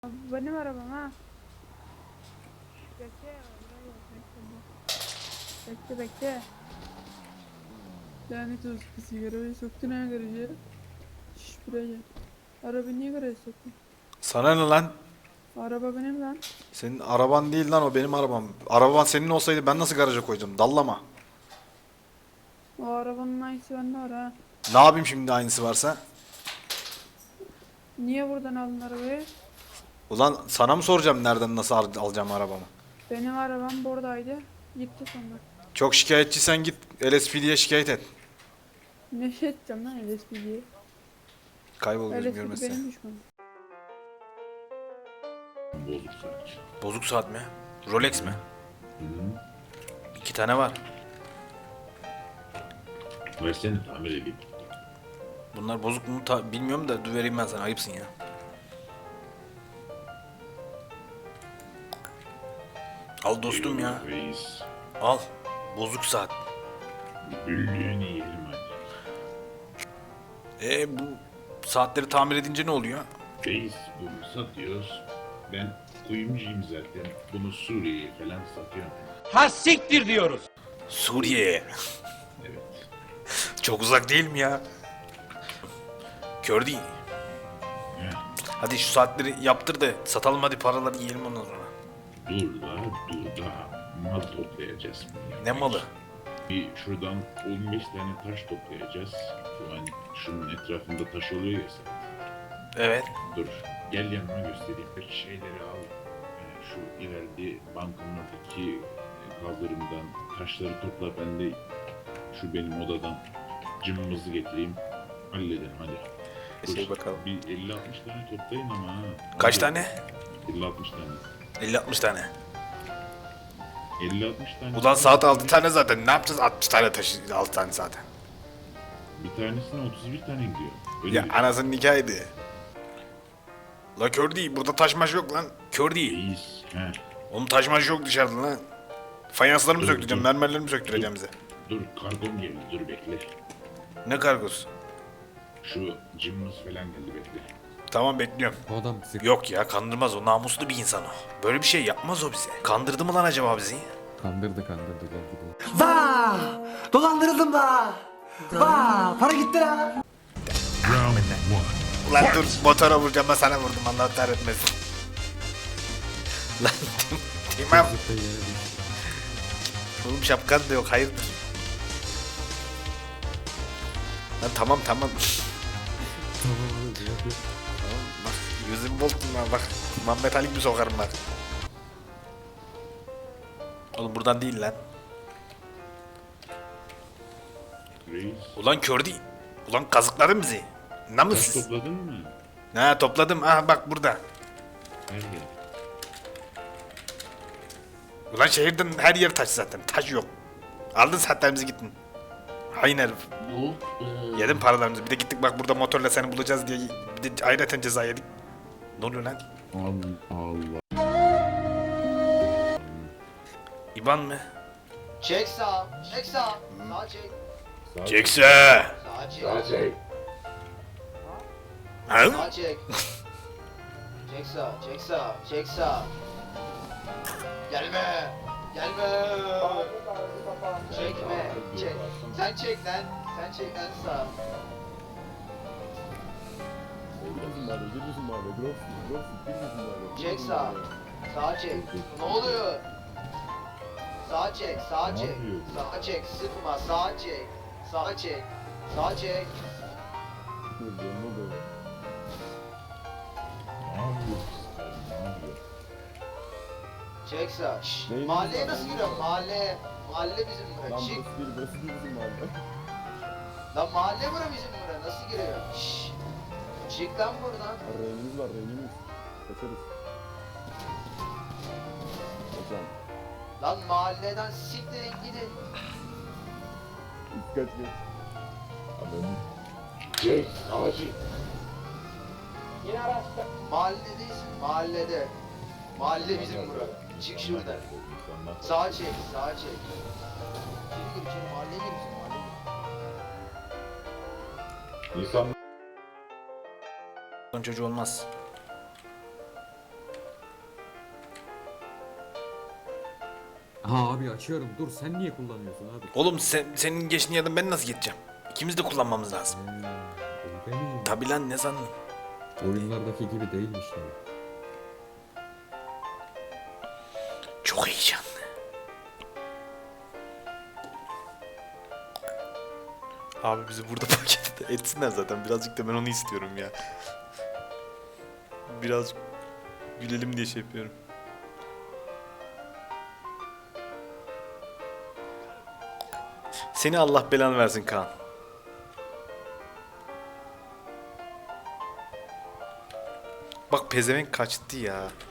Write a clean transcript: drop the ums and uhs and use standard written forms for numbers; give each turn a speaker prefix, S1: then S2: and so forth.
S1: Benim arabam ha. Bekle. Bekle. Lanet olsun, sigarayı soktun ha garaja. Şşş buraya gel. Arabayı niye garaja soktun?
S2: Sana ne lan?
S1: Araba benim lan.
S2: Senin araban değil lan, o benim arabam. Araban senin olsaydı ben nasıl garaja koydum? Dallama.
S1: O arabanın aynısı bende var ha.
S2: Ne yapayım şimdi aynısı varsa?
S1: Niye buradan aldın arabayı?
S2: Ulan sana mı soracağım nereden nasıl alacağım arabamı?
S1: Benim arabam buradaydı. Gitti sonra.
S2: Çok şikayetçiysen git LSPD'ye şikayet et.
S1: Ne şey edeceğim lan LSPD'ye.
S2: Kaybol gözüm
S1: LSPD
S2: görmezse.
S1: benim düşmanım.
S3: Bozuk saat.
S2: Bozuk saat mi? Rolex mi?
S3: Hı.
S2: 2 tane var.
S3: Versene tamir edeyim.
S2: Bunlar bozuk mu bilmiyorum da dur vereyim ben sana, ayıpsın ya. Al dostum ya.
S3: Eyvallah reis.
S2: Al. Bozuk saat.
S3: Büllüğünü yiyelim hadi.
S2: Bu saatleri tamir edince ne oluyor?
S3: Reis bunu satıyoruz. Ben kuyumcuyum zaten. Bunu Suriye'ye falan satıyorum.
S4: Ha siktir diyoruz.
S2: Suriye.
S3: Evet.
S2: Çok uzak değil mi ya? Kör değil.
S3: Heh.
S2: Hadi şu saatleri yaptır da satalım, hadi paraları yiyelim ondan sonra.
S3: Dur da mal toplayacağız.
S2: Ne malı?
S3: Bir şuradan 15 tane taş toplayacağız. Yani şunun etrafında taş oluyor ya sen.
S2: Evet.
S3: Dur. Gel yanıma göstereyim. Bir şeyleri al. Şu ileride bankanın oradaki kaldırımdan taşları topla. Ben de şu benim odadan cımbızı getireyim. Halledelim hadi.
S2: Şey bakalım.
S3: Bir 50-60 tane toplayın ama ha.
S2: Kaç
S3: Hadi.
S2: tane?
S3: 50-60 tane.
S2: 50-60 tane.
S3: 50-60 tane.
S2: Ulan saat 6 tane zaten. Ne yapacağız 60 tane taşı, 6 tane zaten.
S3: Bir tanesine 31 tane gidiyor. Öyle
S2: Ya
S3: bir
S2: anasının nikahıydı. La kör değil. Burada taşmaş yok lan. Kör değil.
S3: reis. He.
S2: Oğlum taşmaş yok dışarıda lan. Fayansları mı
S3: Dur,
S2: söktüreceğim?
S3: dur.
S2: Mermerleri mi söktüreceğim bize?
S3: Dur kargom geldi. Dur bekle.
S2: Ne kargosu?
S3: Şu cımbız falan geldi bekle.
S2: Tamam bekliyorum.
S5: O adam bizi
S2: Yok ya, kandırmaz o. Namuslu bir insan o. Böyle bir şey yapmaz o bize. Kandırdı mı lan acaba bizi?
S5: kandırdı gel gidelim.
S6: Vaa! Dolandırıldım da. Vaa! Para gitti la.
S2: Ulan dur, motora vuracağım, ben sana vurdum, Allah kahretmesin. Lan Timam.
S5: Zıpla yere düştü.
S2: Oğlum şapkan da yok, hayırdır? Lan tamam.
S5: Tamam abi ya.
S2: Tamam bak, yüzüm boltum lan bak. Muhammed Ali gibi sokarım bak. Oğlum buradan değil lan.
S3: Reis.
S2: Ulan kör değil. Ulan kazıkladın bizi.
S3: Taş
S2: Namussuz.
S3: topladın mı?
S2: Ha topladım, aha bak burada.
S3: Nerede?
S2: Ulan şehirden her yer taş zaten, taş yok. Aldın saatlerimizi gittin. Hain herif. Yedin paralarımızı, bir de gittik bak burada motorla seni bulacağız diye bir de ayrıca ceza yedik. Ne oluyor lan?
S3: Allah.
S2: İban mı?
S6: Çek sağ. Çek sağ. Sağ çek.
S2: Çekse.
S6: Sağ çek.
S2: Ha?
S6: Sağ çek. Çek sağ. Çek sağ. Çek sağ. Gelme. Gelme. Çekme. Çek. Sen çek lan. Sen çek lan sağ. Çek sağ. Sağ çek. Ne oluyor? Sağ çek. Sağ çek. Sağ çek. Sıkma. Sağ çek. Sağ çek. Sağ çek.
S3: Ne yapıyorsun sen? Ne yapıyorsun?
S6: Çek sağ. Şşş. Mahalleye nasıl giriyor? Mahalle. Mahalle bizim bura. Çık. Lan mahalle bura bizim bura. Nasıl giriyor? Şşş. Çık lan buradan.
S7: Reynimiz var, reynimiz. Kaçarız. Hocam,
S6: Lan mahalleden siktirin gidin.
S7: kaç geç.
S3: Çek. Savaşı.
S6: Mahalledeyiz. Mahallede. Mahalle bizim bura. Çık şuradan. Sağa çek. Sağa çek. İçeri gir içeri. Mahalleye gir bizim mahalleye gir.
S3: İnsan
S2: Çocuğu olmaz.
S5: Ha abi açıyorum. Dur sen niye kullanıyorsun abi?
S2: Oğlum senin geçtiğin yerden ben nasıl geçeceğim? İkimiz de kullanmamız lazım.
S5: Öyle mi?
S2: Tabi lan ne sandın?
S5: Oyunlardaki gibi değilmiş yani.
S2: Çok heyecanlı. Abi bizi burada paket etsinler zaten. Birazcık da ben onu istiyorum ya. Biraz gülelim diye şey yapıyorum. Seni Allah belanı versin Kaan. Bak pezevenk kaçtı ya.